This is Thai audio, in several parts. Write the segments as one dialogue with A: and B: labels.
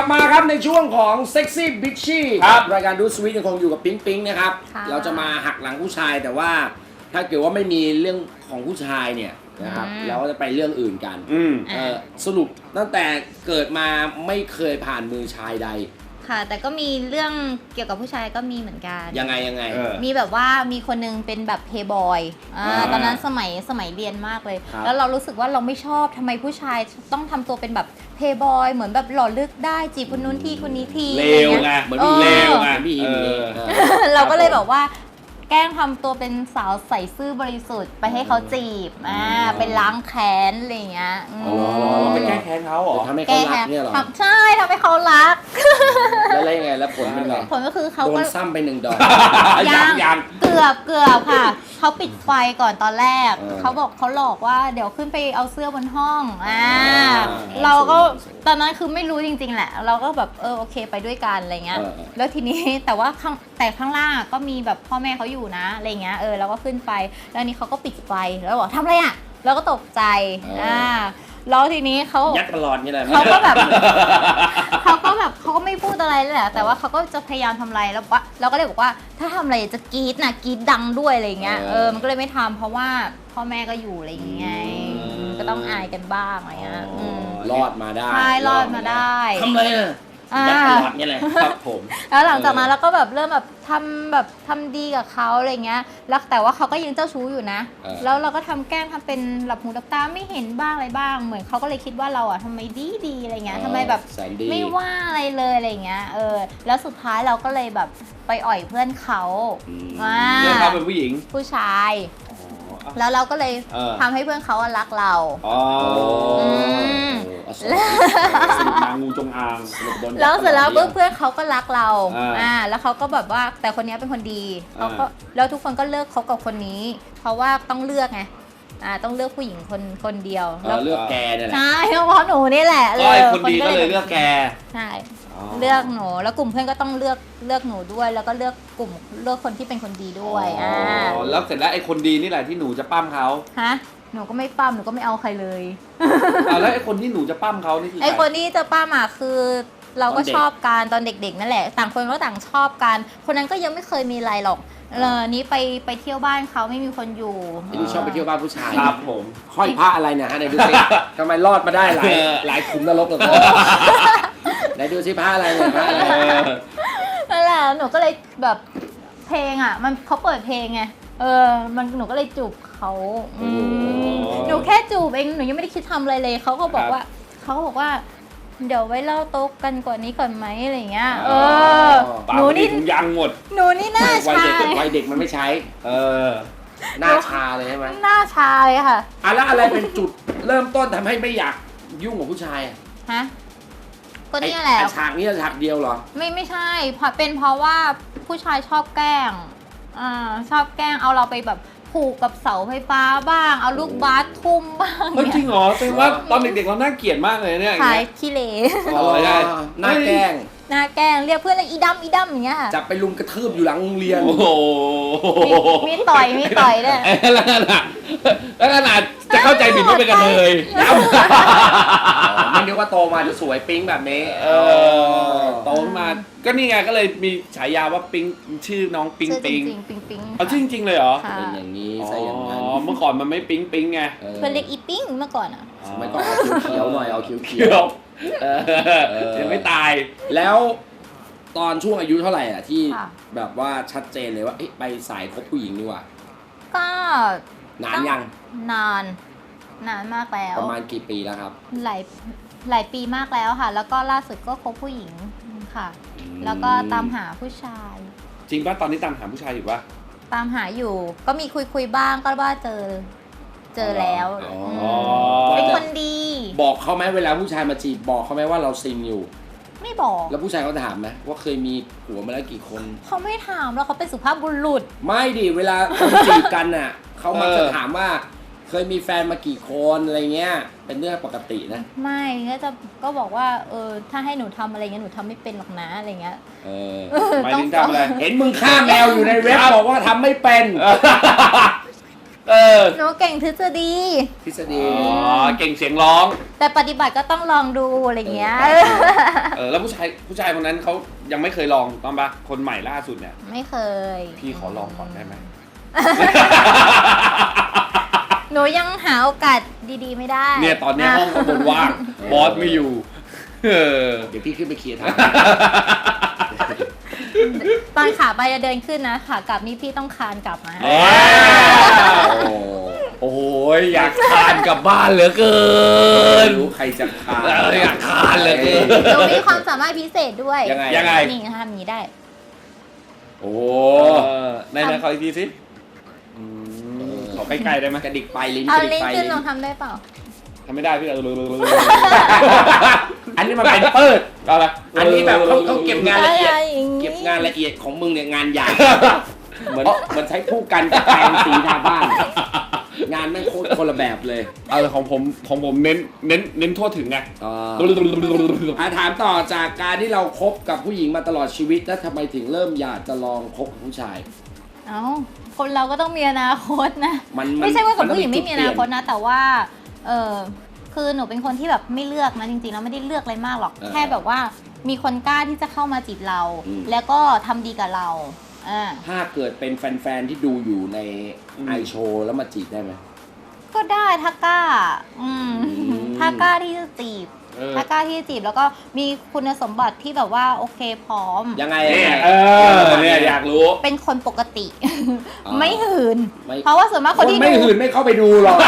A: บมาครับในช่วงของเซ็กซี่บิชชี่
B: ครับ
A: รายการดูสวีทยังคงอยู่กับปิ๊งปิ๊งนะครับ เราจะมาหักหลังผู้ชายแต่ว่าถ้าเกิดว่าไม่มีเรื่องของผู้ชายเนี่ยนะครับเราก็จะไปเรื่องอื่นกันสรุปตั้งแต่เกิดมาไม่เคยผ่านมือชายใด
C: ค่ะแต่ก็มีเรื่องเกี่ยวกับผู้ชายก็มีเหมือนกัน
A: ยังไง
C: มีแบบว่ามีคนนึงเป็นแบบเพย์บอยตอนนั้นสมัยเรียนมากเลยแล้วเรารู้สึกว่าเราไม่ชอบทำไมผู้ชายต้องทำตัวเป็นแบบเพย์บอยเหมือนแบบหล่อลึกได้จีบคนนู้นที่คนนี้ที
B: เลวไงเหมือนเลวไงพี่
C: เราก็เลยแบบว่าแกล้งทำตัวเป็นสาวใส่ซื่อบริสุทธิ์ไปให้เขาจีบเป็นล้างแค้นอะไรอย่างเงี้ย
B: ไปแก้แค้นเขาเหรอ
A: ทำให้เขารักเนี่ยหรอ
C: ใช่ทำให้เขารัก
A: แล้วยังไงแล้วผลเป็นไง
C: ผลก็คือเขา
A: โดนซ้ำไป1 ดอก
C: ยังเกือบค่ะเขาปิดไฟก่อนตอนแรกเขาบอกเขาหลอกว่าเดี๋ยวขึ้นไปเอาเสื้อบนห้องเราก็ตอนนั้นคือไม่รู้จริงๆแหละเราก็แบบโอเคไปด้วยกันอะไรเงี้ยแล้วทีนี้แต่ว่าข้างล่างก็มีแบบพ่อแม่เขาอยู่นะอะไรเงี้ยเราก็ขึ้นไปแล้วนี่เขาก็ปิดไฟแล้วบอกทำอะไรอ่ะเราก็ตกใจแล้วทีนี้เขา
A: ยัดตลอดนี่แหละ
C: เขาก็แบบเขาก็ไม่พูดอะไรเลยแหละแต่ว่าเขาก็จะพยายามทำอะไรแล้วเราก็เลยบอกว่าถ้าทำอะไรจะกรี๊ดนะกรี๊ดดังด้วยอะไรเงี้ยมันก็เลยไม่ทำเพราะว่าพ่อแม่ก็อยู่อะไรอย่างเงี้ยก็ต้องอายกันบ้างอะไรเงี้ย
A: รอดมาได้
C: ใช่รอดมาได้
A: ทำอะไรน่ะยัดตลอดนี่แหละครับผม
C: แล้วหลังจากนั้นเราก็แบบเริ่มแบบทำดีกับเขาอะไรเงี้ยแล้วแต่ว่าเขาก็ยังเจ้าชู้อยู่นะแล้วเราก็แกล้งทำเป็นหลับหูหลับตาไม่เห็นบ้างอะไรบ้างเหมือนเขาก็เลยคิดว่าเราทำไมดีอะไรเงี้ยทำไมแบบไม่ว่าอะไรเลยอะไรเงี้ยแล้วสุดท้ายเราก็เลยแบบไปอ่อยเพื่อนเขา
B: เพื่อนเขาเป็นผู้หญิง
C: ผู้ชายแล้วเราก็เลยทำให้เพื่อนเขารักเรา
B: นางงูจงอาง
C: แล้วเสร็จแล้วเพื่อนเขาก็รักเราแล้วเขาก็แบบว่าแต่คนนี้เป็นคนดีเขาก็แล้วทุกคนก็เลิกคบกับคนนี้เพราะว่าต้องเลือกไงต้องเลือกผู้หญิงคนเดียว
A: แล้วเลือกแกเนี่ยแหละ
C: ใช่เพราะหนูนี่แหละ
B: คนดีก็เลยเลือกแก
C: ใช่เลือกหนูแล้วกลุ่มเพื่อนก็ต้องเลือกหนูด้วยแล้วก็เลือกคนที่เป็นคนดีด้วย
B: แล้วเสร็จแล้วไอ้คนดีนี่แหละที่หนูจะปั้มเขา
C: ฮะหนูก็ไม่ปั้มหนูก็ไม่เอาใครเลย
B: แล้วไอ้คนที่หนูจะปั้มเขานี่คือ
C: ไอ้คนที่จะปั้มคือเราก็ชอบกันตอนเด็กๆนั่นแหละต่างคนก็ต่างชอบกันคนนั้นก็ยังไม่เคยมีอะไรหรอกนี้ไปเที่ยวบ้านเขาไม่มีคนอยู่
A: ดูชอบไปเที่ยวบ้านผู้ชาย
B: ครับผม
A: ห้อยพระอะไรเนี่ยฮะไหนดูสิทำไมรอดมาได้หลายขุมนรกเลยไหนดูสิพระอะไรเนี่ยพระอะไร
C: นั่นแหละหนูก็เลยแบบเพลงมันเขาเปิดเพลงไงหนูก็เลยจูบเขาหนูแค่จูบเองหนูยังไม่ได้คิดทำอะไรเลยเขาก็บอกว่าเดี๋ยวไว้เล่าโต๊ะกันกว่านี้ก่อนไหมอะไรเงี้ย
B: หนูนี่ยังหมด
C: หนูนี่หน้าชา
A: วัยเด็กมันไม่ใช้หน้าชาเลยใช่ไหม
C: หน้าชาเลยค่ะ
A: แล้วอะไรเป็นจุดเริ่มต้นทำให้ไม่อยากยุ่งกับผู้ชาย
C: ฮะก็นี่แหละ
A: ฉากนี้ฉากเดียวเหรอ
C: ไม่ใช่เป็นเพราะว่าผู้ชายชอบแกล้งชอบแกล้งเอาเราไปแบบผูกกับเสาไฟฟ้าบ้างเอาลูกบาสทุ่มบ้าง
B: จริงเหรอแสดงว่าตอนเด็กๆเราน่าเกลียดมากเลยเนี่ย
C: ขายขี้เหร่
A: หน้าแกล้ง
C: เรียกเพื่อนเลยอีดำอย่างเงี้ย
A: จับไปลุมกระทืบอยู่หลังโรงเรียน
B: โอ้โห
C: มีต่อยด้วย
B: แล้วขนาดจะเข้าใจผิดว่าเป็นกระเทย
A: ไม่นึกว่าโตมาจะสวยปิ๊งแบบนี้
B: โตมาก็นี่ไงก็เลยมีฉายาว่าปิ๊งชื่อน้องปิ๊งเอาชื่อจริงเลยเหรอ
A: เป็นอย่างนี้ใช่อย่างนั้น
B: เมื่อก่อนมันไม่ปิ๊งไง
C: เพื่อนเรียกอีปิ๊งเมื่อก่อน
A: ไม่ก็เอาเขียวหน่อยเอาเขียว
B: ยังไม่ตาย
A: แล้วตอนช่วงอายุเท่าไหร่ที่แบบว่าชัดเจนเลยว่าไปสายคบผู้หญิงดีกว่า
C: ก็
A: นานยัง
C: นานมากแล้ว
A: ประมาณกี่ปีแล้วครับ
C: หลายปีมากแล้วค่ะแล้วก็ล่าสุดก็คบผู้หญิงค่ะแล้วก็ตามหาผู้ชาย
B: จริงป่ะตอนนี้ตามหาผู้ชายอยู่ป่ะ
C: ตามหาอยู่ก็มีคุยบ้างก็ว่าเจอแล้วเป็นคนดี
A: บอกเขาไหมเวลาผู้ชายมาจีบบอกเขาไหมว่าเราซิงอยู่
C: ไม่บอก
A: แล้วผู้ชายเขาถามไหมว่าเคยมีผัวมาแล้วกี่คน
C: เขาไม่ถามแล้วเขาเป็นสุภาพบุรุษ
A: ไม่ดิเวลาคนจีบกันน่ะเขามักจะถามว่าเคยมีแฟนมากี่คนอะไรเงี้ยเป็นเรื่องปกตินะ
C: ไม่ก็บอกว่าถ้าให้หนูทำอะไรเงี้ยหนูทำไม่เป็นหรอกนะอะไรเงี้ย
B: หมายถึงทำอะไร
A: เห็นมึงฆ่าแมวอยู่ในเว็บบอกว่าทำไม่เป็น
C: หนูเก่งทฤษฎี
A: ทฤษฎี
B: เก่งเสียงร้อง
C: แต่ปฏิบัติก็ต้องลองดูอะไรเงี้ย
B: แล้วผู้ชายคนนั้นเขายังไม่เคยลองต้องปะคนใหม่ล่าสุดเนี่ย
C: ไม่เคย
B: พี่ขอลองก่อนได้ไหม
C: หนูยังหาโอกาสดีๆไม่ได้
B: เนี่ยตอนนี้ห้องข้างบนว่างบอสไม่อยู่
A: เดี๋ยวพี่ขึ้นไปเคลียร์ทาง
C: ตอนขาไปจะเดินขึ้นนะขากลับนี่พี่ต้องคานกลับมา
B: โอ้โหอยากคานกลับบ้านเหลือเกิน
A: รู้ใครจะคาน
B: อยากคานเหลือเกิน
C: หนูมีความสามารถพิเศษด้วย
B: ยังไง
C: นี่ทำอย่างนี้ได้
B: โอ้ในขออีกทีสิขอใกล้ๆได้ไหม
A: กระดิกไปลิ้น
C: เอา
A: กระดิ
C: ลิ้
A: ก
C: น
A: ไป
C: ขึ้น
A: ลิ้น
C: ลองทำได้เปล่า
B: ทำไม่ได้พี่
A: อันนี้มันเป็นเปิด
B: เอาละ
A: อันนี้แบบเขาเก็บงานละเอียด
C: อย่างงี้
A: เก็บงานละเอียดของมึงเนี่ยงานใหญ่เหมือนใช้ผู้กันกับแปรงสีทาบ้าน งานแม่งโคตรคนละแบบเลย
B: เอาของผมเน้นทั่วถึงไง
A: ถามต่อจากการที่เราคบกับผู้หญิงมาตลอดชีวิตแล้วทำไมถึงเริ่มอยากจะลองคบกับผู้ชาย
C: เอ้าคนเราก็ต้องมีอนาคตนะ
A: มัน
C: ไม่ใช่ว่ากับผู้หญิง
A: มันต้
C: ไม่
A: องมี
C: มี
A: จุด
C: อนาคตนะ แต่ว่าคือหนูเป็นคนที่แบบไม่เลือกนะจริงๆแล้วไม่ได้เลือกอะไรมากหรอก แค่แบบว่ามีคนกล้าที่จะเข้ามาจีบเรา แล้วก็ทำดีกับเรา
A: ถ้าเกิดเป็นแฟนๆที่ดูอยู่ในไอโชว์แล้วมาจีบได้ไหม
C: ก็ได้ถ้ากล้าถ้ากล้าที่จะจีบ ถ้ากล้าที่จะจีบแล้วก็มีคุณสมบัติที่แบบว่าโอเคพร้อม
A: ยังไง
B: เนี่ยอยากรู้
C: เป็นคนปกติ ไม่หืน
A: ไม่
C: เพราะว่าส่วนมาก
A: ค
C: คน
A: น
C: ที่
A: ไม่
C: ดู
A: หื่นไม่เข้าไปดูหรอก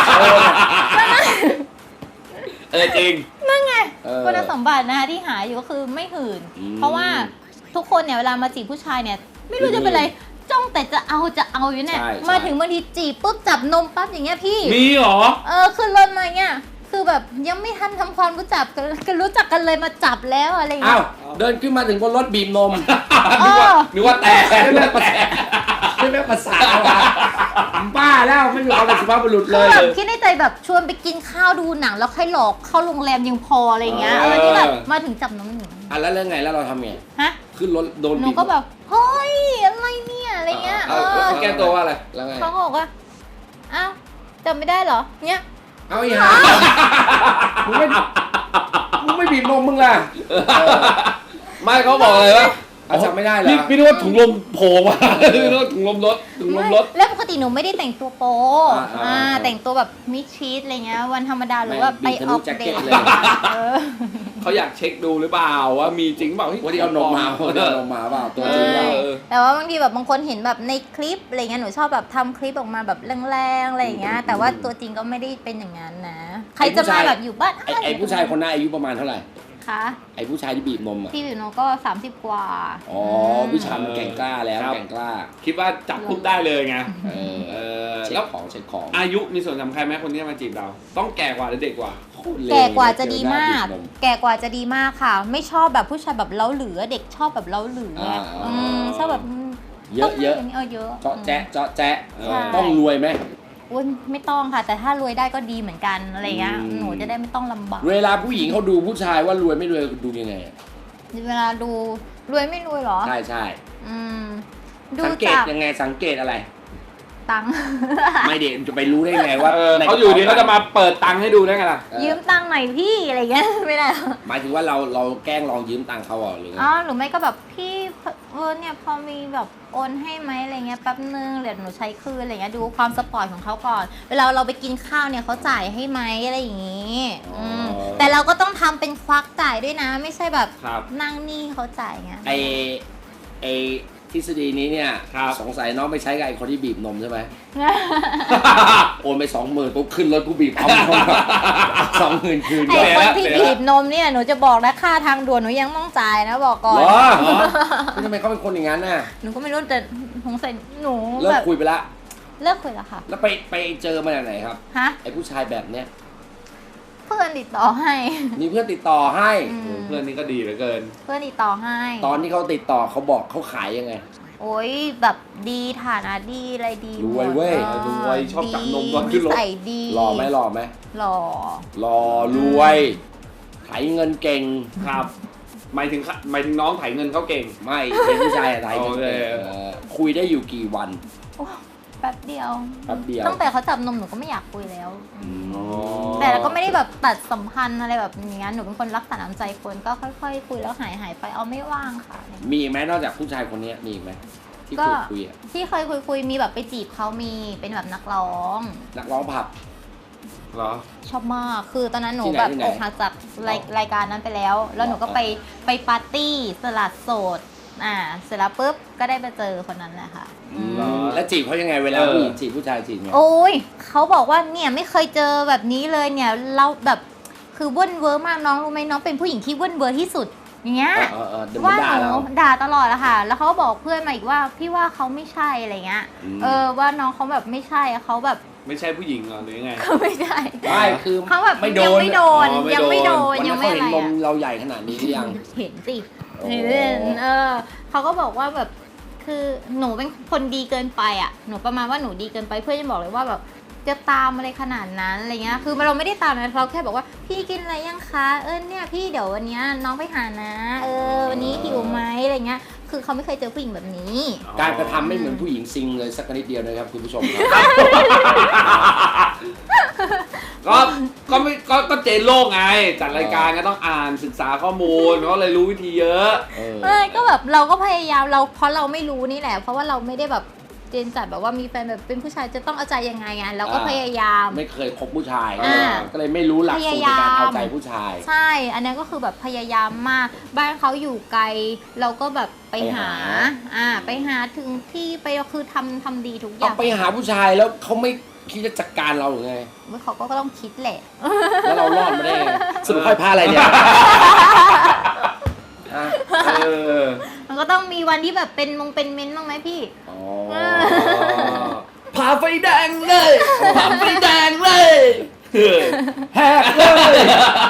B: จริง
C: นั่นไง
A: เออ
C: คุณสมบัตินะคะที่หาอยู่ก็คือไม่หืน เพราะว่าทุกคนเนี่ยเวลามาจีบผู้ชายเนี่ยไม่รู้จะเป็นอะไรจ้องแต่จะเอาอยู่เนี่ย
A: ใช่
C: มาถึงบางทีจีบปุ๊บจับนมปั๊บอย่างเงี้ยพี่
B: มีเหรอ
C: ขึ้นรถมาเงี้ยคือแบบยังไม่ทันทำความรู้จักกันรู้จักกันเลยมาจับแล้วอะไรอย่าง
A: อ้า
C: เงี้
A: วย เดินขึ้นมาถึงบนรถบีบนม
B: นึกว่าแต่
A: ไม่แม่ภาษาไม่แม่ภาษาว่ะบ้าแล้วไม่อยู่เอาอะไรสุภาพบุรุษเล
C: คือย แบบคิดในใจแบบชวนไปกินข้าวดูหนังแล้วค่อยหลอกเข้าโรงแรมยังพออะไรเงี้ยนี่แบบมาถึงจับนมหนู
A: แล้วเรื่องไงแล้วเราทำไง
C: ฮะ
A: ขึ้นรถโดน
C: หนู
A: บีบ
C: ก็แบบเฮ้ยอะไรเนี่ยอะไรเงี้ย
B: แก้ตัวว่าอะไร
A: แล้วไง
C: เขาก็บอกว่าอ้าวจำไม่ได้เหรอเนี่ย
A: เอาอีหามึงไม่บีบนมมึงล่ะ
B: ไม่เขาบอกเลยว่า
A: จำไม่ได้เหรอ
B: พี่นึกว่าถุงลมโผล่มาพี่นึกว่าถุงลมรถ
C: แล้วปกติหนูไม่ได้แต่งตัวโป๊แต่งตัวแบบมิดชิดอะไรเงี้ยวันธรรมดาหรือว่าไปออกเดท
A: เลย
B: เขาอยากเช็คดูหรือเปล่าว่ามีจริงเปล่า
A: วันนี้เอานมมาเปล่าตัวจริงเปล่า
C: แต่ว่าบางทีแบบบางคนเห็นแบบในคลิปอะไรเงี้ยหนูชอบแบบทำคลิปออกมาแบบแรงๆอะไรอย่างเงี้ยแต่ว่าตัวจริงก็ไม่ได้เป็นอย่างนั้นนะใครจะมาแบบอยู่บ้าน
A: ไอ้ผู้ชายคนนั้นอายุประมาณเท่าไหร่
C: คะ
A: ไอ้ผู้ชายที่บีบนมอ่ะ
C: พี่วิวโนก็30กว่า
A: อ๋อผู้ชายมันแก่งกล้าแล้วแก่งกล้า
B: คิดว่าจับปุ๊บได้เลยไง
A: เช็
B: แล้
A: คว ของเช็คของ
B: อายุมีส่วนสำคัญไหมคนที่มาจีบเรา ต้องแก่กว่าหรือเด็กกว่า
C: แก่กว่าจะดีมาก แก่กว่าจะดีมากค่ะ ไม่ชอบแบบผู้ชายแบบเล้าหรือเด็กชอบแบบเล้าหรือชอบแบบ
A: เยอะ
C: เยอะ
A: เจาะแจ๊ะต้องรวยไหม
C: อุ้ยไม่ต้องค่ะ แต่ถ้ารวยได้ก็ดีเหมือนกันอะไรเงี้ยหนูจะได้ไม่ต้องลำบาก
A: เวลาผู้หญิงเขาดูผู้ชายว่ารวยไม่รวยดูยังไง
C: เวลาดูรวยไม่รวยหรอ
A: ใช่
C: ดู
A: สังเกต
C: จาก
A: ยังไงสังเกตอะไร
C: ตังค์
A: ไม่เด็จะไปรู้ได้ไงว่า
B: เขาอยู่ดีเขาจะมาเปิดตังค์ให้ดูได้ไงล่ะ
C: ยืมตังค์หน่อยพี่อะไรเงี้ยไม่ได้
A: หมายถึงว่าเราแกล้งลองยืมตังค์เขาหรือไง
C: หรือไม่ก็แบบพี่เนี่ยพอมีแบบโอนให้ไหมอะไรเงี้ยแป๊บนึงเดี๋ยวหนูใช้คืนอะไรเงี้ยดูความสปอร์ตของเขาก่อนเวลาเราไปกินข้าวเนี่ยเขาจ่ายให้ไหมอะไรอย่างงี้แต่เราก็ต้องทำเป็นควักจ่ายด้วยนะ ไม่ใช่แบบนั่งนี่เขาจ่ายไง
A: ไอทฤษฎีนี้เนี่ยสงสัยน้องไปใช้กับไอคนที่บีบนมใช่ไหม โอนไป 20,000ปุ๊บขึ้นรถกูบีบเอา20,000 คืน
C: ไอคนที่บีบนมเนี่ยหนูจะบอกนะค่าทางด่วนหนูยังต้องจ่ายนะบอกก่อน
A: ทำไมเขาเป็นคนอย่างนั้นน่ะ
C: หนูก็ไม่รู้แต่สงสัยหนู
A: เลิกคุยไปละ
C: เลิกคุยแล้วค่ะ
A: แล้วไปเจอมาจากไหนครับไอผู้ชายแบบเนี้ย
C: เพื่อนติดต่อให้
A: มีเพื่อนติดต่อให้
B: เพื่อนนี่ก็ดีเหลือเกิน
C: เพื่อนติดต่อให้
A: ตอนที่เขาติดต่อเขาบอกเขาขายยังไง
C: โอ้ยแบบดีฐานะดีอะไรดี
A: รวยเว้ย
B: รวยชอบจับนมตอนขึ้นรถ
C: ใส่ดี
A: หล่อไหมหล่อรวยไถเงินเก่ง
B: ครับหมายถึงน้องไถเงินเขาเก่ง
A: ไม่เป็นผู้ชายไถเงินเก่งคุยได้อยู่กี่วัน
C: แป๊ป๊บเดียว
A: แป๊บเดียว
C: ตั้งแต่เขาจับนมหนูก็ไม่อยากคุยแล้ว
B: อ๋อ
C: แต่เราก็ไม่ได้แบบตัดสัมพันธ์อะไรแบบนี้หนูเป็นคนรักษาน้ำใจคนก็ค่อยๆคุยแล้วหายไปเอาไม่ว่างค่ะ
A: มีอีกไหมนอกจากผู้ชายคนนี้มีอีกไหมที่
C: ก็
A: คุยอะ
C: ที่เคยคุยมีแบบไปจีบเขามีเป็นแบบนักร้อง
A: นักร้องผับ
B: เหรอ
C: ชอบมากคือตอนนั้นหนู
A: ที่ไหน
C: แบบ
A: ที่ไหน
C: อกหักจากรายการนั้นไปแล้ว แล้วหนูก็ไปปาร์ตี้สลัดโสดเสร็จแล้วปุ๊บก็ได้ไปเจอคนนั้นแหละค่ะ
B: เหรอ
A: แล้วจีบเขายังไงเวลาผู้หญิงจีบผู้ชายจีบไง
C: โอ้ยเขาบอกว่าเนี่ยไม่เคยเจอแบบนี้เลยเนี่ยเราแบบคือว่นเวอร์มากน้องรู้ไหมน้องเป็นผู้หญิงที่ว่นเวอร์ที่สุดอย่างเงี้ย
A: เดี๋ยว
C: ว่า
A: ด่า
C: หนู
A: เรา
C: ด่าตลอดอะค่ะ แล้วเขาก็บอกเพื่อนมาอีกว่าพี่ว่าเขาไม่ใช่อะไรเงี้ย ว่าน้องเขาแบบไม่ใช่เขาแบบ
B: ไม่ใช่ผู้หญิงเหรอหรือยังไง
C: เขาไม่ใช่
A: ไม่คือ
C: เขาแบบ
A: ไม่โด
C: ยัง
A: น
C: ไม่โดน
B: อ๋อไม่
C: ยังไม่โดน
A: วัน
C: ยั
A: นั้
C: ง
A: น
C: ไม่
A: เขา
C: อะ
A: เห็น
C: ไร
A: นม
C: อะ
A: เราใหญ่ขนาดนี้หรือยัง
C: เห็นสิ
A: โอ้
C: เห็นเขาก็บอกว่าแบบคือหนูเป็นคนดีเกินไปอ่ะหนูประมาณว่าหนูดีเกินไปเพื่อนจะบอกเลยว่าแบบจะตามอะไรขนาดนั้นอะไรเงี้ยคือเราไม่ได้ตามนะเราแค่บอกว่าพี่กินอะไรยังคะเนี่ยพี่เดี๋ยววันเนี้ยน้องไปหานะวันนี้หิวไหมอะไรเงี้ยคือเขาไม่เคยเจอผู้หญิงแบบนี้
A: การกระทำไม่เหมือนผู้หญิงซิงเลยสักนิดเดียวนะครับคุณผู้ชมครับ
B: ก็เจนโลกไง จัดรายการก็ต้องอ่านศึกษาข้อมูลก็เลยรู้วิธีเยอะ
C: ก็แบบเราก็พยายามเพราะเราไม่รู้นี่แหละ เพราะว่าเราไม่ได้แบบเจนจัดแบบว่ามีแฟนแบบเป็นผู้ชายจะต้องเอาใจยังไงไงเราก็พยายาม
A: ไม่เคยคบผู้ชาย
C: อ่า
A: ก็เลยไม่รู้หลักสูตรในการเอาใจผู้ชาย
C: ใช่ อันนี้ก็คือแบบพยายามมากบ้านเขาอยู่ไกล เราก็แบบไปหาไปหาถึงที่ไปคือทำดีทุกอ
A: เอา
C: ย่าง
A: ไปหาผู้ชายแล้วเขาไม่คิดจะจัดการเราหรือไง
C: เขาก็ต้องคิดแหละ
A: แล้วเรารอดมาได้ไงสรุปค่อยพาอะไรเนี่ยอ่ะ
B: เออ
C: มันก็ต้องมีวันที่แบบเป็นเม้นบ้างไหมพี่
A: อ๋อ
B: ผ่าไฟแดงเลยผ่าไฟแดงเลย
A: แฮกเลย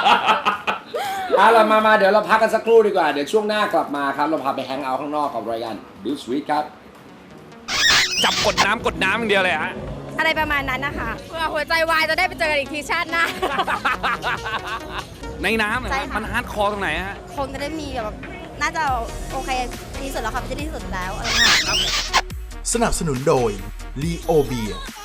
A: เรามาเดี๋ยวเราพักกันสักครู่ดีกว่า เดี๋ยวช่วงหน้ากลับมาครับ เราพาไปแฮงเอาท์ข้างนอกกับรายการดูสวีทครับ
B: จับกดน้ำอย่างเดียวเลยฮะ
D: อะไรประมาณนั้นนะคะเพื่อหัวใจวายจะได้ไปเจอกันอีกทีชาติหน้า
B: ในน้ำเหรอ
D: ใช่
B: ฮะ
D: ค่ะ
B: มันฮาร์ดคอร์ตรงไหนฮะ
D: คงจะได้มีแบบน่าจะโอเคที่สุดแล้วค่ะไม่ใช่ที่สุดแล้วอะไรเงี้ย
E: สนับสนุนโดย ลีโอเบีย